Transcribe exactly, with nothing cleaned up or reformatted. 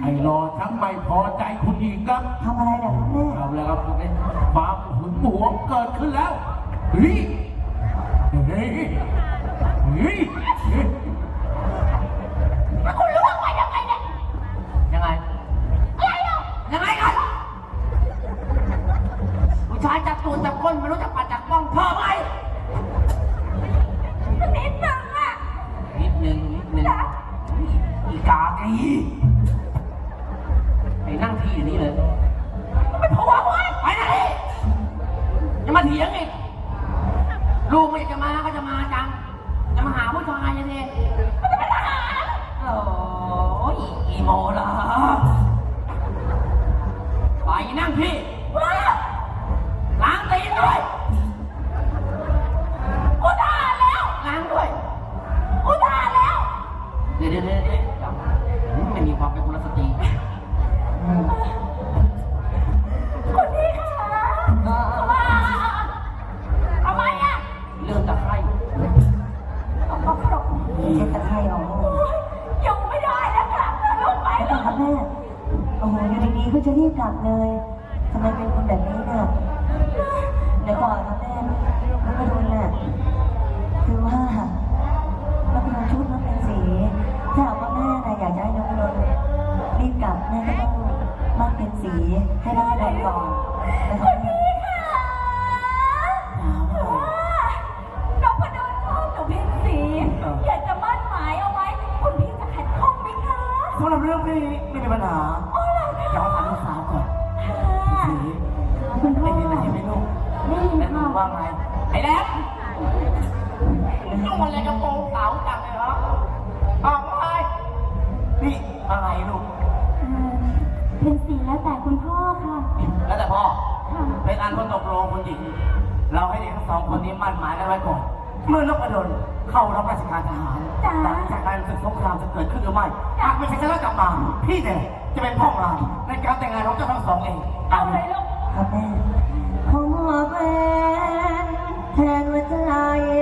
ไอ้รอทั้งไม่พอใจคุณอีกครับทำอะไรเนี่ยครับแม่เอาแล้วครับความหึงหวงเกิดขึ้นแล้วเฮ้ยเฮ้ยเฮ้ยคุณรู้ว่ายังไงเนี่ยยังไงอะไรเนาะยังไงกันผู้ชายจับตูดจับก้นไม่รู้จักปัดจับป้องพอไหมนิดนึงอะนิดนึงนิดนึงอีกากีไปนั่งที่อยู่นี่เลยไม่พอวะไปไหนจะมาเถียงอีกลูกไม่จะมาก็จะมาจังจะมาหาผู้ชายยังไงมันจะเป็นทหารโอ้ยอีโมล่ะไปนั่งที่ล้างตีนด้วยกูด่าแล้วล้างด้วยกูด่าแล้วเดี๋ยวเดี๋ยวเดี๋ยวไม่มีความเป็นกุลสตรีคุณพี่ค่ะว่าทำไมอ่ะเรื่องตะไคร่ต้องต้องตกเช็ดตะไคร่ออกยังไม่ได้แล้วค่ะลูกไปแล้วครับแม่โอ้โหอยู่ดีๆก็จะรีบกลับเลยทำไมเป็นคนแบบนี้เนี่ยเดี๋ยวก่อนครับแม่น้องกระดุนน่ะคือว่าน้องกระดุนชุดน้องเป็นสีถ้าหากว่าแม่น่ะอยากจะให้น้องกระดุนรีบกลับแม่ก็ต้องมั่นเป็นสีให้น้องกระดุนก่อนนะครับแม่น้องกระดุนชอบหนูเป็นสีอยากจะมั่นหมายเอาไว้คุณพี่จะขัดข้องไหมคะสำหรับเรื่องนี้ไม่มีปัญหาเดี๋ยวถามลูกสาวก่อนสีคุณพ่อได้ยินอะไรไหมลูกได้ยินค่ะว่าไงไอ้แล็บนุ่งอะไรกระโปรงขาวจังเลยเหรอออกไปนี่อะไรลูกเป็นสีแล้วแต่คุณพ่อค่ะแล้วแต่พ่อเป็นอันคนตกลงคนหญิงเราให้เด็กทั้งสองคนนี้มั่นหมายกันไว้ก่อนเมื่อนพดลเข้ารับราชการทหารหลังจากการศึกสงครามจะเกิดขึ้นหรือไม่หากไม่ใช่ชนะกลับมาพี่เนี่ยจะเป็นพ่อเราในการแต่งงานของเจ้าทั้งสองเองเอาเลยลูกครับแม่ขอเป็นแทนหัวใจ